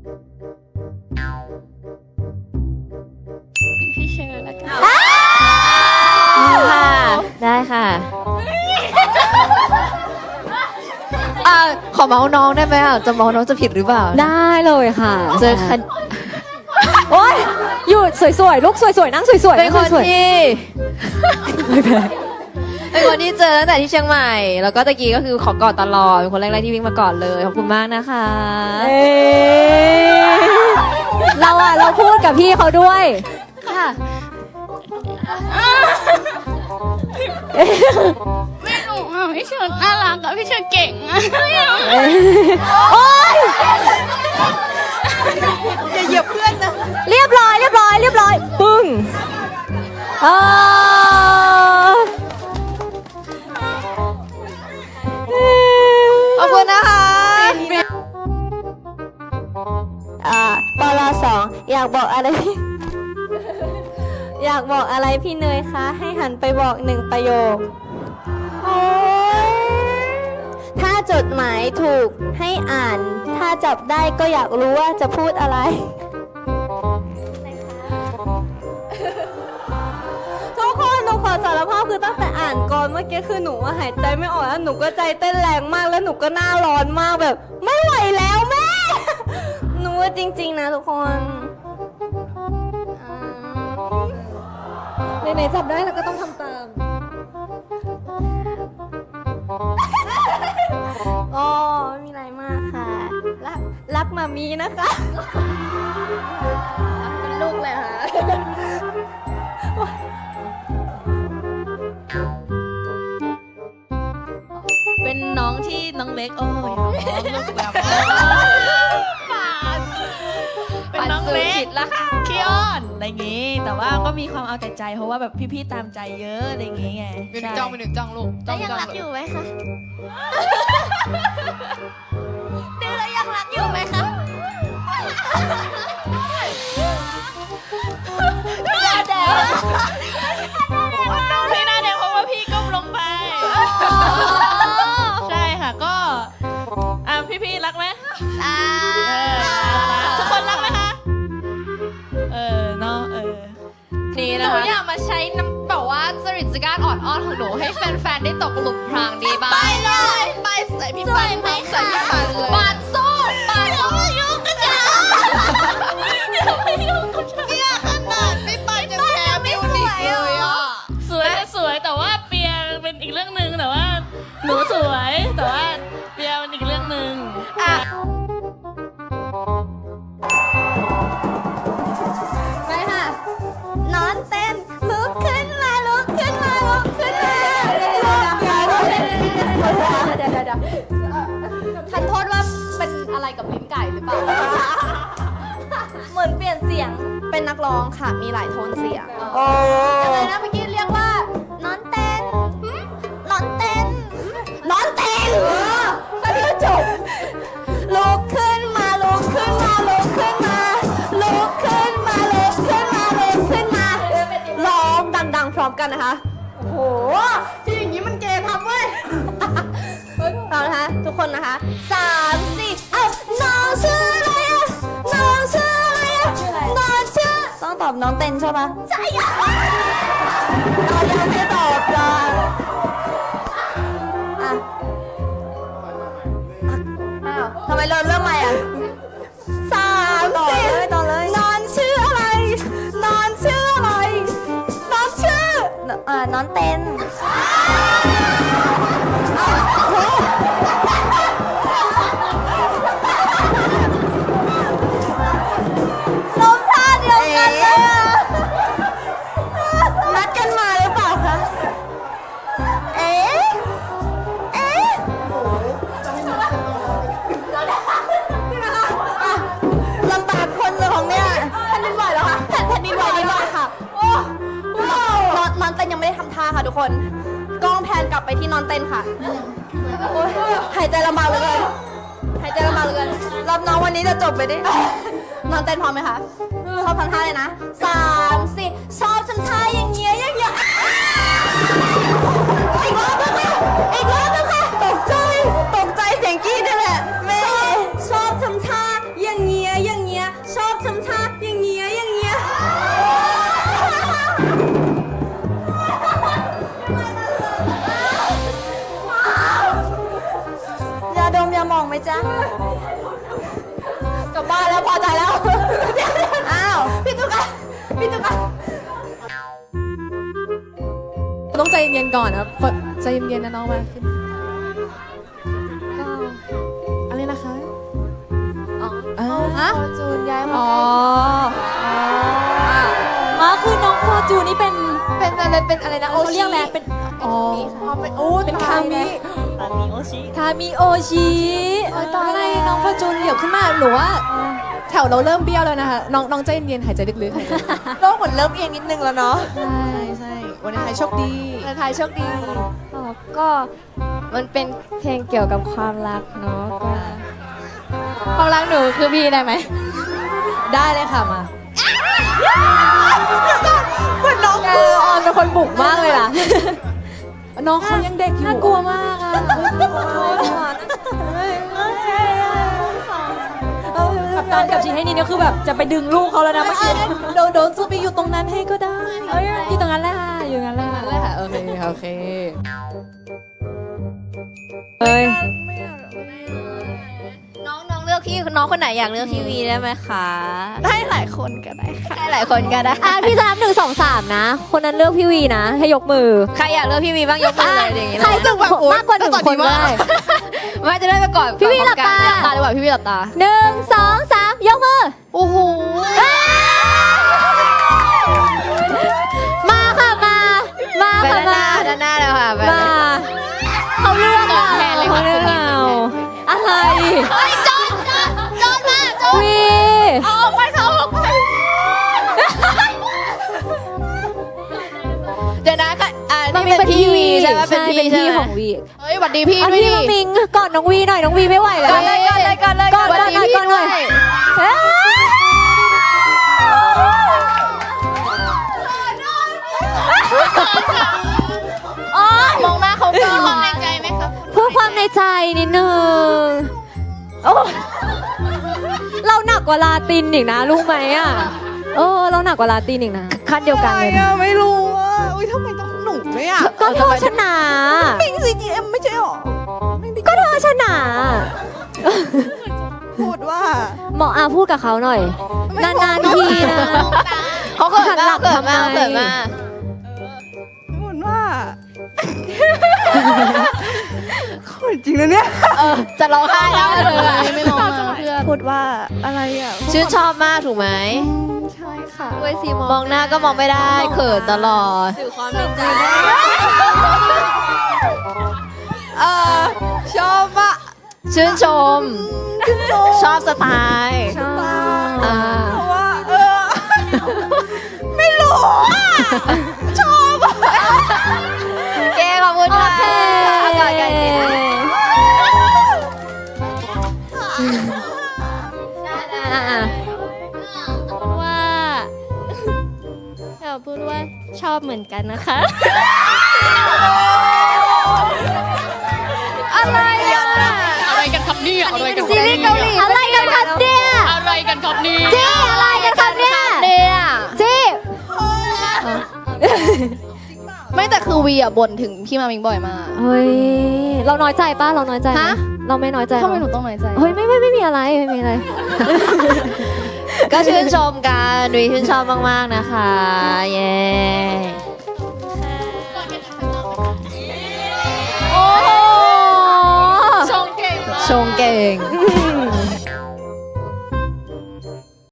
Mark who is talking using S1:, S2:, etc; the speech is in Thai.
S1: พี่เชอร์แล้วกัน
S2: ค่ะได้ค่ะขอเมาส์น้องได้ไหมอ่ะจะเมาส์น้องจะผิดหรือเปล่า
S3: ได้เลยค่ะ
S2: เจอคัน
S3: โอ๊ยอยู่สวยๆลูกสวยๆนั่งสวยๆ
S2: เป็นคน
S3: สวย
S2: ที่เป็นคนที่เจอตั้งแต่ที่เชียงใหม่ แล้วก็ตะกี้ก็คือขอกอดตลอดเป็นคนแรกๆที่วิ่งมากอดเลยขอบคุณมากนะคะ
S3: ๆเราพูดกับพี่เขาด้วย
S2: ค่ะ
S1: ไม่รู้อ่ะพี่เชอร์น่ารักอะพี่เชอร์เก่งอะ
S3: โอ๊ย
S2: อย่าเหยียบเพื่อนนะ
S3: เรียบร้อยปึ้ง
S2: ขอบคุณนะคะ
S3: ปล2อยากบอกอะไรพี่ อยากบอกอะไรพี่เนยคะ ให้หันไปบอก1ประโยค ถ้าจดหมายถูกให้อ่าน ถ้าจับได้ก็อยากรู้ว่าจะพูดอะไร ทุกคนหนูขอสารภาพคือตั้งแต่อ่านก่อนเมื่อกี้คือหนูหายใจไม่ออกแล้วหนูก็ใจเต้นแรงมากแล้วหนูก็หน้าร้อนมากแบบ ไม่ไหวแล้วแม่ หนูว่าจริงๆนะทุกคนไหนๆจับได้แล้วก็ต้องทำตามอ๋อไม่มีอะไรมากค่ะ รักมามีนะคะ
S2: เป็นลูกเลยค่ะ
S4: เป็นน้องที่น้องเล็กโอ้ยลูกแบบเป็นน้องเล็กขี้อ้อนอะไรอย่างงี้ แต่ว่าก็มีความเอาแต่ใจเพราะว่าแบบพี่ๆตามใจเยอะอะไรอย่างงี้ไง
S1: เป็นจ้องเป็นหนึ่งจ้องลูก
S2: แล้วยังรักอยู่ไหมคะ
S1: ดื้อแล้วยังรักอยู่ไหมคะ
S4: พี่หน้าแดงเพราะว่าพี่ก้มลงไป ใช่ค่ะก็พี่ๆรักไหมทุกคนรักไหมคะเนาะ
S2: นี่
S1: ห
S2: นะ
S1: นู
S2: คะ
S1: อยากมาใช้น้ำแบบว่าจริตจักรอ่อนอ้อนของหนูให้แฟนๆได้ตกหลุมพรางดีบ้าง
S4: ไปเลยไปใส่พี่ปันใส่พี่ปันเลย
S1: ปาดสู้ปาดยุ่งกันจ้าไม่ยุ่งกันจ้า
S4: เนี่ยขนาดพี่ปันยังแพ้มิวนิกเลยอ่ะสวยแต่ว่าเปียเป็นอีกเรื่องหนึ่งแต่ว่าหนูสวยแต่ว่าเปียเป็นอีกเรื่องหนึ่ง
S3: ไปค่ะ นอนเต้นลุกขึ้นมาลุกขึ้นมาลุกขึ้นมาเดี๋ยว
S1: ทันโทษว่าเป็นอะไรกับลิ้นไก่หรือเปล่า
S3: เหมือนเปลี่ยนเสียงเป็นนักร้องค่ะ มีหลายโทนเสียง
S1: อะไรนะเมื่อกี้เรียกว่า
S3: นอนเต้นนอนเต้นนอนเต้นก็คือจบลุกขึ้นมาลุกขึ้นมาลุกขึ้นมาลุกขึ้นมาลุกขึ้นมาลุกขึ้นมาร้องดังๆพร้อมกันนะคะ โอ้โหที่อย่างนี้มันเกย์ทำเว้ยเอานะคะทุกคนนะคะ3 4น้องชื่ออะไรอะน้องชื่ออะไรอะน้องชื่อต้องตอบน้องเต้นใช่ปะใช่อะเรายังไม่ตอบเลยอ่ะอ้าวทำไมเราเริ่มใหม่อ่ะ3 4ต่อเลยนอนชื่ออะไรนอนชื่ออะไรนอนชื่อนอนเต้นลมท่าเดียวกันเลยอ่ะนัดกันมาหรือเปล่าคะเอ๊ะลำบากคนเลยของเนี่ยแผ่นดินไหวแล้วค่ะแผ่นดินไหวค่ะโอ้นอนเต้นยังไม่ได้ทำท่าค่ะทุกคนกล้องแพนกลับไปที่นอนเต้นค่ะโอ้ยหายใจลำบากเหลยหายใจลำบากเหลยรับน้องวันนี้จะจบไปดินอนเต้นพร้อมไหมคะชอบทำท่าเลยนะ3 4ชอบทำท่าอย่างเงี้ยอย่างเงี้ยอีกรอบนึงค่ะอีกรอบนึงค่ะตกใจเสียงกรี๊ดนี่แหละแม่ชอบทำท่าอย่างเงี้ยอย่างจ๊ะกลับบ้านแล้วพอใจแล้ว อ้าวพี่ตุ๊กอะพี่ตุ๊กอะ
S2: ต้องใจเย็นๆก่อนนะใจเย็นๆนะน้องมาขึ้นอะไรนะคะฮะ
S3: จูนย้ายมา
S2: อ๋อคือน้องฟอร์จูนนี่เป็น
S3: เป็นอะไรนะโอ
S2: เขา
S3: ชิ
S2: เรียกอะไรเป็นอ๋อ
S3: เป็นโอ้
S2: เป็นคามิ
S4: ตอนนี้โอชิ
S2: คามิโอชิอะไรน้องฟอร์จูนเดี๋ยวขึ้นมาหนูว่าแถวเราเริ่มเบี้ยวแล้วนะคะน้องใจเย็นๆหายใจลึกๆหายใจ
S3: โลกเหมือนเริ่มเอียงนิดนึงแล้วเนาะ
S2: ใช่วันนี้ไทยโชคดี
S3: แต่ไทยโชคดี
S2: ก็มันเป็นเพลงเกี่ยวกับความรักเนาะความรักหนูคือพี่ได้ไหมได้เลยค่ะมา
S3: เหมือนน้อง
S2: ออนเป็นคนบุกมากเลยล่ะ น้องเขายังเด็กอยู่น่ากลัวมากอ่ะกับตอนกับชีให้นี่เนี่ยคือแบบจะไปดึงลูกเขาแล้วนะเมื่อกี้โดนซูไปอยู่ตรงนั้นให้ก็ได้อยู่ตรงนั้นแหละค่ะอยู่ตรงนั้นแหละค่ะโอเคเอ้ย
S1: น้องเลือกพี่น้องคนไหนอยากเลือกพี่วีได้ไหมคะ
S3: ได้หลายคนก็ได้ค่ะ
S1: ได้หลายคนก็ได้
S2: พี่จะนับ1 2 3นะคนนั้นเลือกพี่วีนะให้ยกมือ
S1: ใครอยากเลือกพี่วีบ้างยกมือเลยอย่างงี้เล
S2: ใคร
S1: ย
S2: จะมากกว่า1 คนได้
S1: ว่าจะได้ไปก่อน
S2: พี่วีหลับตา
S1: ตาดีกว่าพี่วีหลับตา
S2: 1 2 3ยกมือ
S1: โอ้โห
S2: มาค่ะมา
S1: ไป
S2: ค่ะ
S1: ด้านหน้าเลยค่ะไป
S2: มาเขาเลือกเรา
S1: แทนเลยค่ะ
S2: เขาเลือกเราอะไร
S1: เฮ้ยจอนมาจอน
S2: วี
S1: เอาออกไปเขาออกไปเดี๋ยวนะค่ะนี่เป็นพี่วีใช่ไหมเป็นพี่
S2: พี่ของวี
S1: เฮ้ยหวัดดีพี่
S2: เอา
S1: ด้วย
S2: พี่
S1: ดิ
S2: มามิงก่อนน้องวีหน่อยน้องวีไม่ไหวแล้ว
S1: ก่อนเลยก่อนเลยก่อนเลย
S2: ก่อนหน่อยก่อนหน่อยเอ้ย
S1: มองหน้าเขาก่อนความในใจไหมครับ
S2: พูดความในใจนิดนึงโอ้เราหนักกว่าลาตินอีกนะรู้ไหมอ่ะเราหนักกว่าลาตินอีกนะขั้นเดียวกันเลยนะ
S3: ไม่รู้อ่ะอุ้ยทำไมต้องหนูด้วยอ่ะ
S2: ก็เธอชนะ
S3: ปิง CGM ไม่ใช่หรอ
S2: ก็เธอชนะ
S3: พูดว่า
S2: หมออาพูดกับเขาหน่อย นานๆทีนะ
S1: เขาเกิด
S2: หันหลัง
S1: เกิดมา
S2: ทำไม
S1: เกิดมา
S3: พูดว่าโคตรจริงนะเนี่ย
S1: จะร้องไห้แล้วเลยไม่ร้องมาเพื่อน
S3: พูดว่าอะไรอ่ะ
S1: ชื่นชอบมากถูกไหม
S3: ใช่ค่ะ
S1: มองหน้าก็มองไม่ได้เขินตลอด
S2: สื่อความในใจ
S3: ชอบอ่ะ
S1: ชื่นชม ชอบสไตล์
S2: ชอบ
S3: เพราะว่าไม่รู้อ่ะชอบอ่ะ
S1: เก้ขอบคุณค่ะ
S2: โอเค
S1: อากาศกันดีว่าอยากพูดว่าชอบเหมือนกันนะคะ
S2: อะไรอ่ะ
S4: อะไรกันครับเนี่ยอะไรกัน
S2: ซีรีส์เกาหลีอะไรกันครับเนี่ย
S4: อะไรกันครับเนี่ย
S2: เจ๊อะไรกันครับเนี่ย
S1: เนี่ย
S2: เจ๊
S1: ไม่แต่คือวีอ่ะบ่นถึงพี่มามิงบ่อยมาก
S2: เฮ้ยเราน้อยใจป้าเราน้อยใจไหม
S1: ฮะ
S2: เราไม่น้อยใจ
S1: ทำไมหนู
S2: เนอะ
S1: ต้องน้อยใจ
S2: เฮ้ยไม่มีอะไรไม่มีอะไร
S1: ก็ชื่นชมกันวีชื่นชอบมากๆนะคะ เย้
S2: โอ้โห
S4: ชงเก่งมาก
S1: ชงเก่ง